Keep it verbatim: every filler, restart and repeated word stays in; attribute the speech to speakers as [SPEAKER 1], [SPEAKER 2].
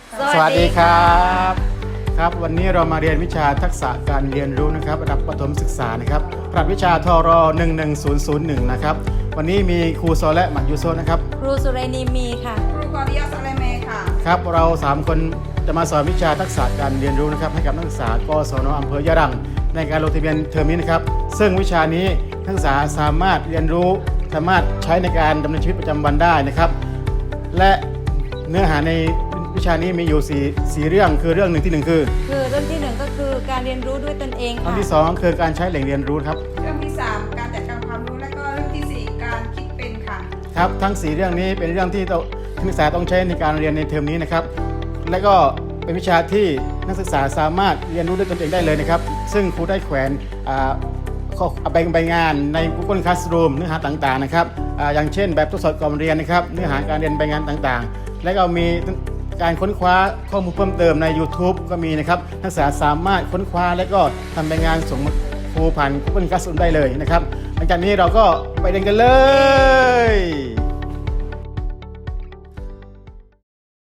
[SPEAKER 1] สวัสดีครับครับวันนี้เรามาเรียนวิชาทักษะการเรียนรู้นะครับระดับประถมศึกษานะครับรหัสวิชาทรหนึ่งหนึ่งศูนย์ศูนย์หนึ่งนะครับวันนี้มีครูโซและหมัดยูโซนะครับ
[SPEAKER 2] ครูสุเรนีมีค่ะ
[SPEAKER 3] ครูกอริยาสเลเมค่ะ
[SPEAKER 1] ครับเราสามคนจะมาสอนวิชาทักษะการเรียนรู้นะครับให้กับนักศึกษากศนอำเภอยะรังในการลงทะเบียนเทอมนี้นะครับซึ่งวิชานี้นักศึกษาสามารถเรียนรู้สามารถใช้ในการดำเนินชีวิตประจำวันได้นะครับและเนื้อหาในวิชานี้มีอยู่สี่สี่เรื่องคือเรื่องหนึ่งที่หนึ่งคือ
[SPEAKER 2] คือเรื่องที่หนึ่งก็คือการเรียนรู้ด้วยตนเองค่ะ
[SPEAKER 1] เรื่องที่สองคือการใช้แหล่งเรียนรู้ครับ
[SPEAKER 3] เรื่องที่สามการจัดการความรู้และก็เรื่องที่สี่การคิดเป็นค่ะ
[SPEAKER 1] ครับทั้งสี่เรื่องนี้เป็นเรื่องที่นักศึกษาต้องใช้ในการเรียนในเทอมนี้นะครับและก็เป็นวิชาที่นักศึกษาสามารถเรียนรู้ด้วยตนเองได้เลยนะครับซึ่งครูได้แขวนใบใบงานใน Google Classroom เนื้อหาต่างๆนะครับอย่างเช่นแบบทดสอบก่อนเรียนนะครับเนื้อหาการเรียนใบงานต่างๆและก็มีการค้นคว้าข้อมูลเพิ่มเติมใน YouTube ก็มีนะครับนักศึกษาสามารถค้นคว้าและก็ทำใบงานส่งครูผ่าน Google Classroom ได้เลยนะครับหลังจากนี้เราก็ไปเรียนกันเลย